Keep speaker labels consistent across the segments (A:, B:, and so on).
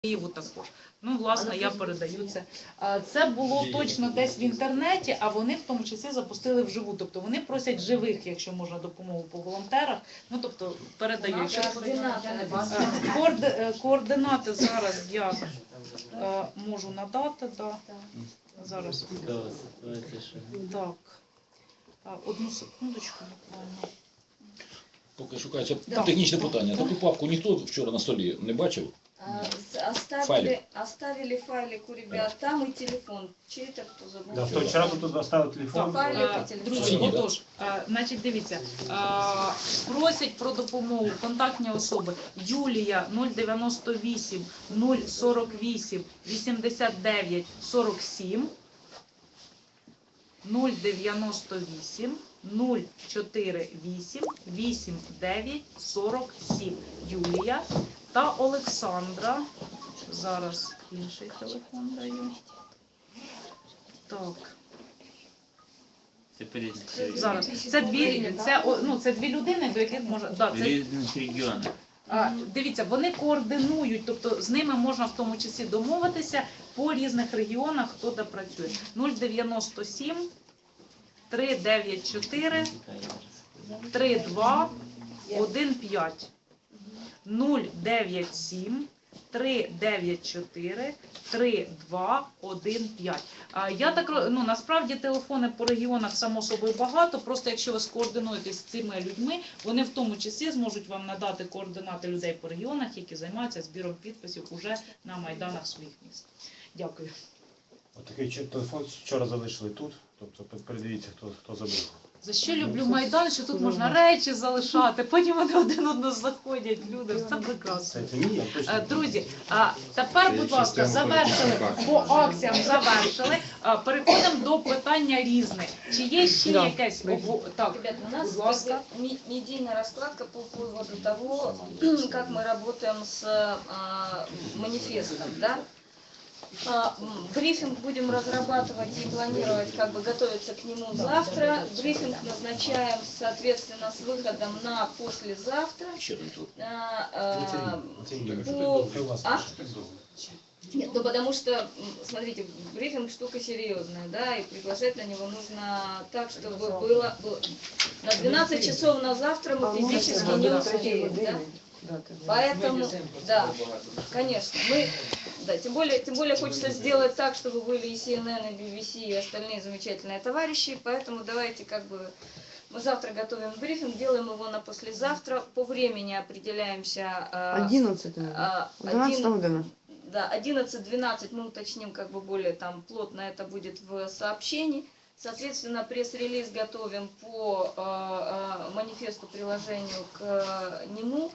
A: Києву також. Ну, власне, я передаю це. Це було точно десь в інтернеті, а вони в тому числі запустили вживу. Тобто вони просять живих, якщо можна, допомогу по волонтерах. Ну, тобто передають. Координати зараз я можу надати. Да. Зараз. Так. Одну секундочку, буквально.
B: Поки шукається технічне питання. Таку папку ніхто вчора на столі не бачив?
C: Оставили файлик у ребят, там и телефон. Чей-то кто забыл.
D: Да, вчера тут оставил телефон.
A: Друзі, отож, значить, дивіться, просять про допомогу контактні особи Юлія 098 048 89 47 098 048 89 47 Юлія та Олександра. Зараз інший телефон даю. Так. Зараз. Це дві людини, до яких можна... Да, це... Дивіться, вони координують, тобто з ними можна в тому числі домовитися по різних регіонах, хто де працює. 097 394 32 15 097 394 3215. Я так, насправді телефони по регіонах само собою багато, просто якщо ви скоординуєтесь з цими людьми, вони в тому числі зможуть вам надати координати людей по регіонах, які займаються збіром підписів уже на майданах своїх міст. Дякую.
D: Отакий телефон вчора залишили тут, тобто передивіться, хто забив.
A: За що люблю Майдан, що тут можна речі залишати, потім вони один одного заходять, люди, це прекрасно. Друзі, тепер, будь ласка, завершили, по акціям завершили, переходимо до питання різних. Чи є ще якесь... Так,
C: ребята, у нас медийная раскладка по поводу того, как мы работаем с манифестом, да? Брифинг будем разрабатывать и планировать, как бы готовиться к нему завтра. Брифинг назначаем, соответственно, с выходом на послезавтра. Нет, ну потому что, смотрите, брифинг штука серьезная, да, и приглашать на него нужно так, чтобы было на 12 часов на завтра мы физически не успеем, да? Поэтому, да, конечно, тем более хочется сделать так, чтобы были и CNN, и BBC, и остальные замечательные товарищи, поэтому давайте мы завтра готовим брифинг, делаем его на послезавтра, по времени определяемся.
E: 11 година.
C: Да, 11-12 мы уточним более там плотно, это будет в сообщении. Соответственно, пресс-релиз готовим по манифесту, приложению к нему.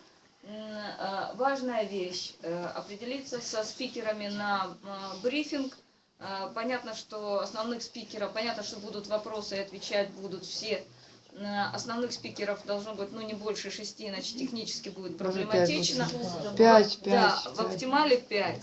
C: Важная вещь – определиться со спикерами на брифинг. Понятно, что основных спикеров, понятно, что будут вопросы и отвечать будут все. Основных спикеров должно быть не больше 6, иначе технически будет проблематично.
E: 5.
C: Да, в оптимале 5.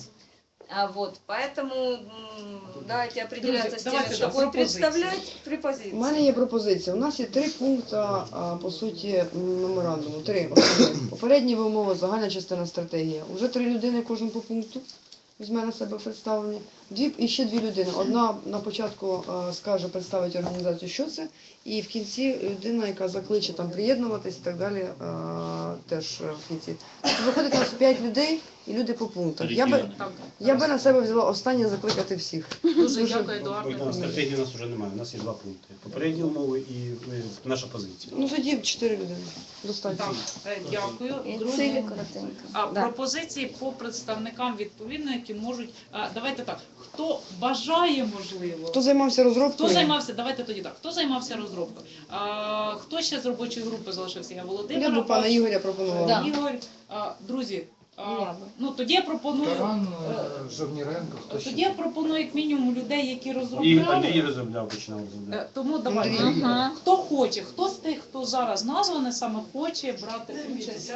C: Поэтому давайте определяться с тем, что будет представлять при позиции.
E: У мене є пропозиція. У нас є 3 пункти, по суті, меморандуму. 3. Попередні умови, загальна частина стратегія. Уже 3 людини кожен по пункту візьме на себе представлені. І ще 2 людини. Одна на початку скаже, представить організацію, що це, і в кінці людина, яка закличе там приєднуватись і так далі, теж в кінці. Тобто виходить у нас 5 людей і люди по пунктах. Я би на себе взяла останнє закликати всіх.
A: Дуже дякую, Едуард.
D: Стратегії у нас вже немає, у нас є 2 пункти. Попередні умови і наша позиція.
E: Ну тоді 4 людини. Достатньо.
A: Так, дякую. Друзі, пропозиції по представникам відповідно, які можуть... Давайте так, хто бажає, можливо...
E: Хто займався розробкою?
A: Давайте тоді так. Хто займався розробкою? Хто ще з робочої групи залишився? Я Володимир.
E: Я б пана Ігоря пропонувала.
A: Ігор, друзі, тоді я пропоную...
F: Таран, Жовніренко, хто ще?
A: Тоді я пропоную як мінімум людей, які
D: І
A: розробляли.
D: Андрій розробляв, починав розробляти.
A: Тому давайте. Хто хоче, хто з тих, хто зараз названий, саме хоче брати участь.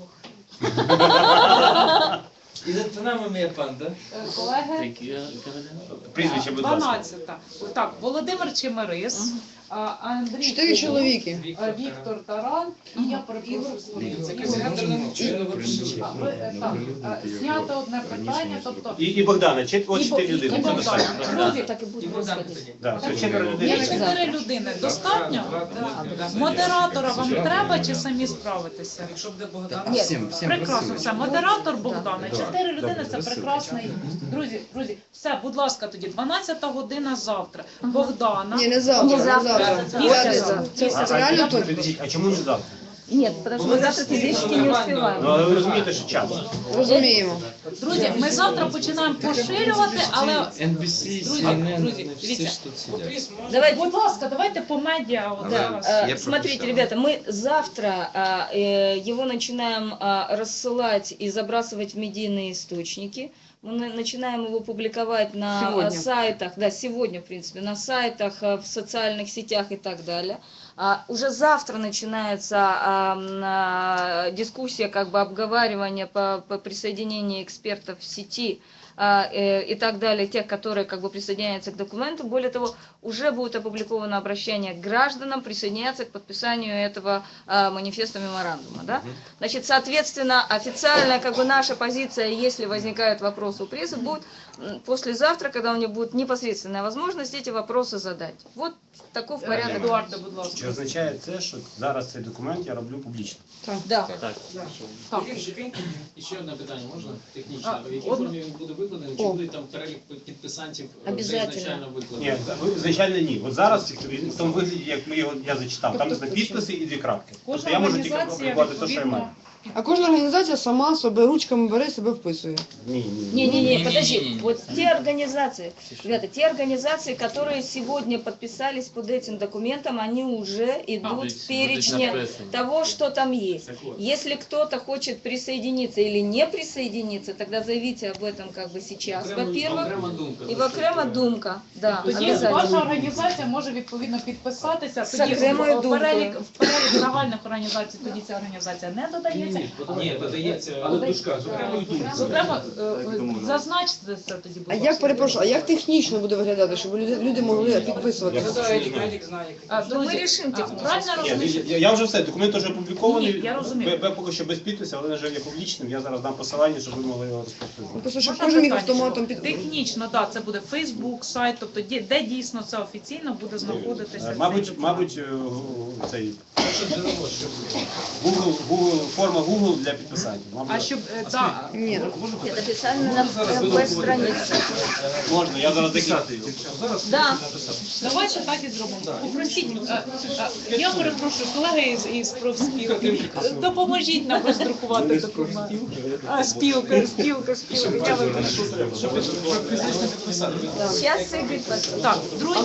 G: І за нами має пан, так?
A: Колеги?
D: Прізвище, будь ласка.
A: 12. Так, Володимир Чемерис, Андрій
E: 4 чоловіки.
A: Віктор Таран і я перепрошую Скориця. Зняти одне питання, тобто
D: І Богдана, от 4 людини.
A: і
D: Це
A: Богдана.
D: достатньо.
A: Друзі,
C: Так и будет
G: І Богдан
C: происходить.
G: тоді.
D: Да, це 4
A: є
D: людини.
A: 4 людини. Достатньо? Модератора вам треба чи самі справитеся?
G: Якщо буде Богдан,
A: Прекрасно, все. Модератор Богдана. 4 людини це прекрасний. Друзі, все, будь ласка, тоді 12 година завтра. Богдана.
E: Ні, не завтра,
C: Не
E: не
C: завтра.
E: завтра.
C: Ні,
E: П'ятниця.
C: це
E: Це реально тут?
D: Підождіть, а чому не завтра?
C: Нет, потому что мы завтра физически не
D: Ну,
C: успеваем.
D: але ви розумієте, що час.
E: Розуміємо.
A: Друзі, ми завтра починаємо поширювати, але
H: NBC,
A: Друзі,
H: CNN,
A: друзі,
H: всі
A: дивіться.
H: ж тут сидять.
C: Давайте.
A: будь ласка, давайте по медіа. От зараз.
C: Смотрите, ребята, мы завтра его начинаем рассылать и забрасывать в медийные источники. Мы начинаем его публиковать на
E: Сегодня.
C: сайтах, да, сегодня, в принципе, на сайтах, в социальных сетях и так далее. Уже завтра начинается дискуссия, как бы обговаривание по присоединению экспертов в сети и так далее, тех, которые как бы присоединяются к документу. Более того, уже будет опубликовано обращение к гражданам присоединяться к подписанию этого манифеста меморандума. Да? Значит, соответственно, официальная как бы наша позиция, если возникают вопросы у прессы, будет послезавтра, когда у них будет непосредственная возможность эти вопросы задать. Вот таков порядок.
A: Едуарде, будь ласка.
D: Чи означає це, що зараз цей документ я роблю публічно?
C: Да.
A: Так.
H: І ще одне питання, можна? Технічне. В якій
A: одне.
H: формі він буде викладений? Чи
E: О.
H: буде там перелік підписантів
C: Обязательно.
H: ізначально
D: Ні,
H: викладений?
D: звичайно, ні. От зараз в тому вигляді, як я зачитав, там
A: Тобто,
D: підписи і 2 крапки. Тобто
A: Кожна
D: я можу тільки
A: організація
D: опублікувати те, що я маю.
A: відповідно.
E: А кожна організація сама себе ручками бере, себе вписує.
D: Ні.
C: Не-не-не, подожди. Вот те организации, ребята, те организации, которые сегодня подписались под этим документом, они уже идут в перечне того, что там есть. Если кто-то хочет присоединиться или не присоединиться, тогда заявите об этом как бы сейчас, во-первых.
H: Окрема думка.
C: И окрема думка, да,
A: Тоді ваша
C: обязательно.
A: організація може відповідно підписатися.
C: З
A: Тоді
C: окремою
A: в перелік
C: думкою.
A: загальних організацій тоді ця організація не додається.
H: Ні, додається, але в дужках, з окремою думкою.
A: Зокрема, зазначте це тоді, будь
E: А
A: ласка.
E: як, перепрошую, а як технічно буде виглядати, щоб люди могли підписувати?
A: Друзі,
C: Ми рішимо
A: правильно
D: Ні,
A: розумію?
D: я вже все, документ вже опублікований.
A: Ні, я розумію.
D: Поки що без підпису, але він вже є публічним. Я зараз дам посилання, щоб ви могли його
E: Ну,
D: розповсюджувати.
E: просто щоб
A: Можна
E: кожен міг
A: питання?
E: автоматом під...
A: Технічно, так, це буде Facebook, сайт, тобто де дійсно це офіційно буде знаходитися.
D: Мабуть, цей форма Google для підписантів.
A: А щоб, так,
E: Ні,
C: Это официально на веб-странице.
D: Можна, я зараз декілька.
C: Да.
A: давайте так і зробимо. Попросіть, я перепрошую, колеги із профспілки, допоможіть нам роздрукувати документ. Спілка, я випишу.
C: Сейчас Игорь посмотрит.
A: Так,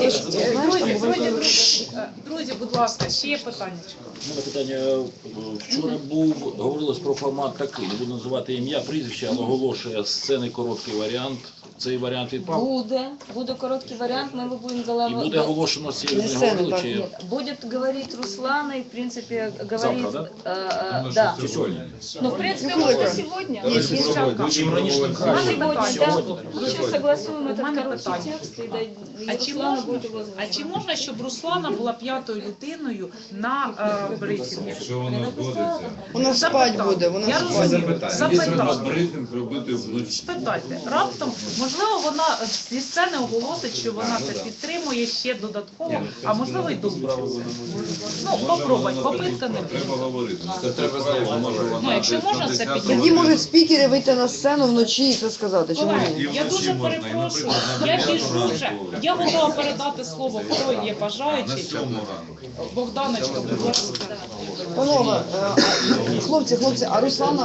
A: друзі, будь ласка, ще є питання.
B: У мене питання. Вчора говорилось про формат такий, не буду називати ім'я, прізвище, але оголошує сцени короткий варіант. Цей варіант відпав.
C: Буде короткий вариант, мы его будем
B: І буде оголошено ці
E: Не сцени,
B: говорили,
E: так,
B: чи
C: Нет, будет говорить Руслана и, в принципе, говорить...
B: Завтра,
C: да?
B: чи сьогодні?
C: Ну, в принципе, можно сегодня.
B: Чим раніше, тим краще.
C: Сегодня, да.
B: Сьогодні.
C: Мы сейчас согласуем
A: У
C: этот
A: мене
C: короткий
A: питання.
C: текст, и
A: А чи
C: Руслана
A: можна,
C: будет его
A: а
C: озвучивать.
A: чи можна, щоб Руслана була п'ятою людиною на брифінгу?
I: Якщо вона згодиться,
E: вона спать буде,
A: Я
E: вона спать.
A: розумію. Запитати.
I: брифінг робити вночі.
A: Спитайте, раптом, можливо, вона зі сцени оголосить, що вона це підтримує ще додатково, а можливо й долучиться. Ну, попробуй, попитка не буде.
I: Треба говорити. Це треба знову. Може
A: Ну,
I: вона
A: якщо
I: десь
A: можна,
I: на
A: це
I: 10-му
A: підняти.
E: Тоді можуть спікери вийти на сцену вночі і це сказати. Чому
A: Колеги,
E: ні?
A: я дуже перепрошую, я біжу вже. Я готова передати слово, хто є
I: на
A: бажаючий.
I: 7 ранку.
A: Богданочка, будь ласка.
E: Панове, хлопці, а Руслана?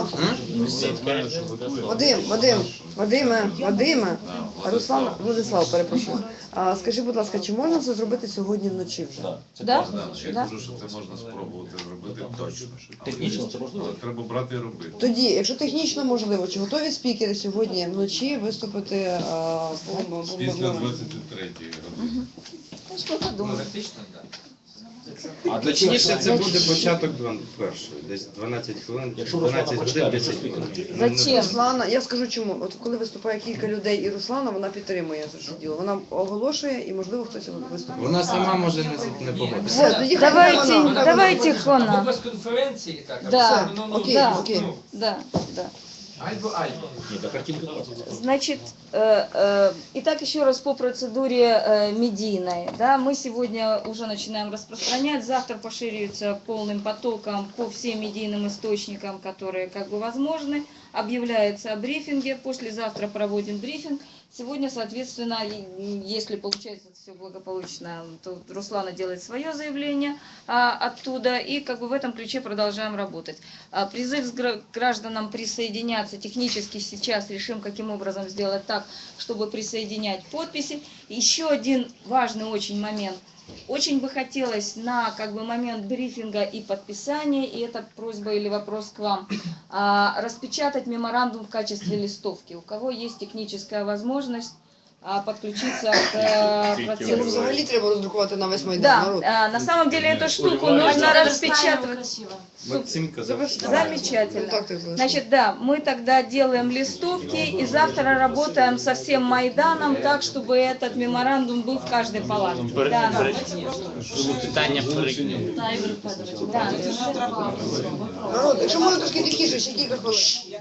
E: Вадиме, а Руслан, Владислав, перепрошую. А скажи, будь ласка, чи можна це зробити сьогодні вночі вже?
C: Да?
I: Я
C: Да.
I: кажу, що це можна спробувати зробити точно.
B: Технічно це можливо?
I: Але треба брати і робити.
E: Тоді, якщо технічно можливо, чи готові спікери сьогодні вночі виступити
I: Після 23-ї години.
C: Ну, что подумать.
G: Практично, так.
B: А для
D: Точніше, це
B: чого?
D: буде початок першої, десь 12 хвилин,
B: Якщо Руслана
D: 12 годин,
B: прочитає,
D: 10
B: то
D: хвилин.
B: спікер.
C: Зачем?
E: Руслана, я скажу чому. От коли виступає кілька людей і Руслана, вона підтримує це діло. Вона оголошує і, можливо, хтось виступає.
I: Вона сама може не погодитися.
E: Все, тоді хай
C: Давайте,
E: вона.
C: давайте
H: Або
C: вона.
H: без конференції, так, або
C: Да.
H: все, ну,
E: Окей,
C: да.
E: окей.
C: Да, да.
H: Альбо.
B: Ні, та картинка класна.
C: Значит, итак, еще раз по процедуре медийной. Да, мы сегодня уже начинаем распространять, завтра поширится полным потоком по всем медийным источникам, которые как бы возможны. Объявляется о брифинге, послезавтра проводим брифинг. Сегодня, соответственно, если получается все благополучно, то Руслана делает свое заявление оттуда, и как бы в этом ключе продолжаем работать. Призыв к гражданам присоединяться технически сейчас решим, каким образом сделать так, чтобы присоединять подписи. Еще один важный очень момент. Очень бы хотелось на как бы момент брифинга и подписания, и это просьба или вопрос к вам, распечатать меморандум в качестве листовки. У кого есть техническая возможность подключиться к
E: Це
C: процессу.
E: взагалі треба роздрукувати на весь Майдан.
C: Да,
E: Народ.
C: на самом деле эту штуку
B: Львове,
C: нужно
B: да.
C: распечатывать.
D: Максим казав, що
C: Замечательно.
E: Контакти залишили.
C: Значит, да, мы тогда делаем листовки и завтра работаем со всем Майданом так, чтобы этот меморандум был в каждой палатке. Да.
G: Питання перейняли.
C: Да.
E: Народ, якщо можна трошки тихіше, ще кілька хвилин.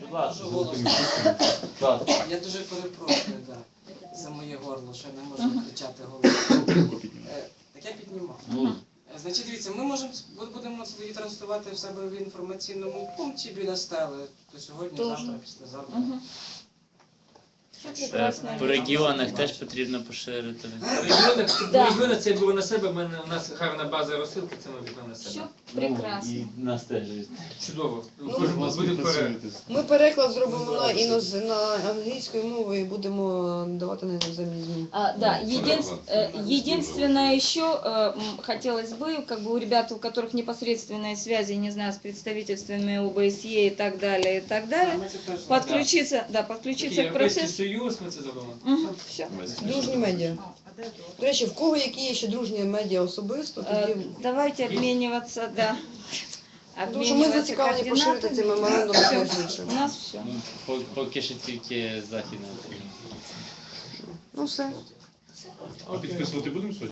G: Я дуже перепрошую, да, за моє горло, що я не можу кричати голосом. Так я піднімав. Значить, дивіться, ми будемо це тоді транслювати в себе в інформаційному пункті біля стели. То сьогодні, завтра, післязавтра.
C: Мгм. Все прекрасно.
J: По регіонах теж потрібно поширити.
H: Регіони це було на себе, у нас гарна база розсилки, це ми візьмемо на
C: Все
H: себе.
C: прекрасно.
J: І нас теж.
H: Чудово.
E: Ну,
H: Буде перед.
E: Ми переклад зробимо на англійською мовою і будемо давати на іноземні ЗМІ.
C: Да, единственное еще хотелось бы, как бы у ребят, у которых непосредственные связи, не знаю, с представительствами ОБСЕ и так далее, подключиться, да, подключиться к
H: Європейський
C: процессу.
H: Союз, ми це зробимо.
C: Все.
E: Дружні медіа. До речі, в кого які є ще дружні медіа особисто, тоді...
C: Давайте обмениваться, да.
E: Тому що ми зацікавлені поширити цей меморандум і все інше.
C: У нас все.
J: Поки що тільки західна Україна.
E: Ну все.
D: А підписувати будемо сьогодні?